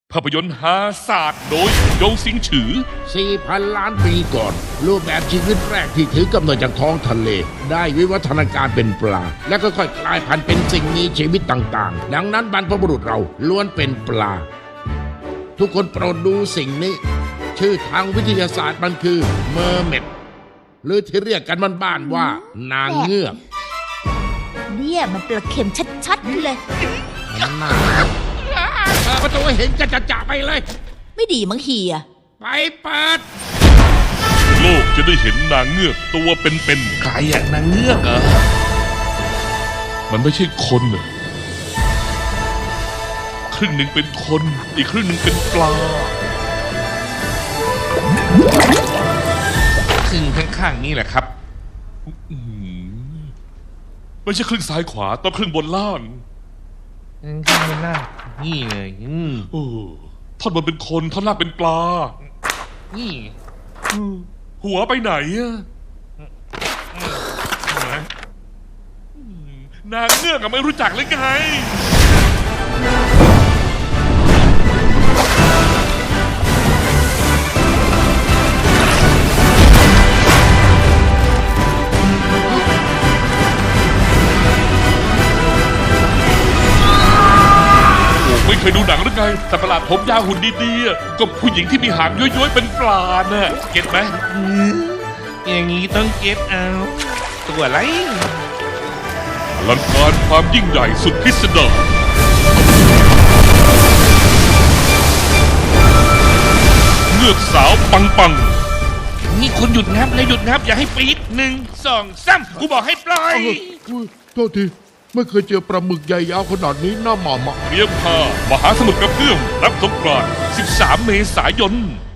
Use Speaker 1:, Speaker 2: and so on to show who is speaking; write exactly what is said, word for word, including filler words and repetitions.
Speaker 1: ภาพยนตร์ฮาศาสตร์โดยยงสิงฉือ
Speaker 2: สี่พัน ล้านปีก่อน รูปแบบชีวิตแรกที่ถือกำเนิดจากท้องทะเล ได้วิวัฒนาการเป็นปลา และก็ค่อยกลายพันธุ์เป็นสิ่งมีชีวิตต่างๆ ดังนั้นบรรพบุรุษเราล้วนเป็นปลา ทุกคนโปรดดูสิ่งนี้ ชื่อทางวิทยาศาสตร์มันคือเมอร์เมดหรือที่เรียกกันบ้านๆว่านางเงือก
Speaker 3: เนี่ยมันปลาเค็มชัดๆเลย
Speaker 2: น่าเปิดประตูให้เห็นกระจะๆไปเลย
Speaker 3: ไม่ดีมั้งเฮีย
Speaker 2: ไปเปิด
Speaker 1: โลกจะได้เห็นนางเงือกตัวเป็น
Speaker 4: ใครอยากนางเงือกเหรอ
Speaker 1: ๆมันไม่ใช่คนน่ะครึ่งหนึ่งเป็นคน อีกครึ่งหนึ่งเป็นปลา
Speaker 4: ครึ่งข้างๆนี่แหละครับ
Speaker 1: อืมไม่ใช่ครึ่งซ้ายขวาต้องครึ่งบนล่าง
Speaker 4: ข้างบนล่างนี่เลยอืม
Speaker 1: โอ้ท่อนบนเป็นคนท่อนล่างเป็นปลา
Speaker 4: นี่
Speaker 1: หัวไปไหนอะนางเงือกอะไม่รู้จักเลยไง โอ้ไม่เคยดูหนังหรือไง แต่ประหลาดผมยาวหุ่นดีๆอะก็ผู้หญิงที่มีหางย้อยๆเป็นปลาน่ะเก็ตไหม
Speaker 4: อย่างนี้ต้องเก็บเอา ตัวอะไร
Speaker 1: อลังการความยิ่งใหญ่สุดพิสดารเงือกสาวปังปัง
Speaker 4: นี่คุณหยุดงับแล้วหยุดงับอย่าให้ปี๊ดหนึ่งสองสามกูบอกให้ปล่อย
Speaker 2: อุ๊ยโทษทีไม่เคยเจอปลาหมึกใหญ่ยาวขนาดนี้น่าหม่ำอะ
Speaker 1: เตรียมพามหาสมุทรกระเพื่อมรับสงกรานต์สิบสาม เมษายน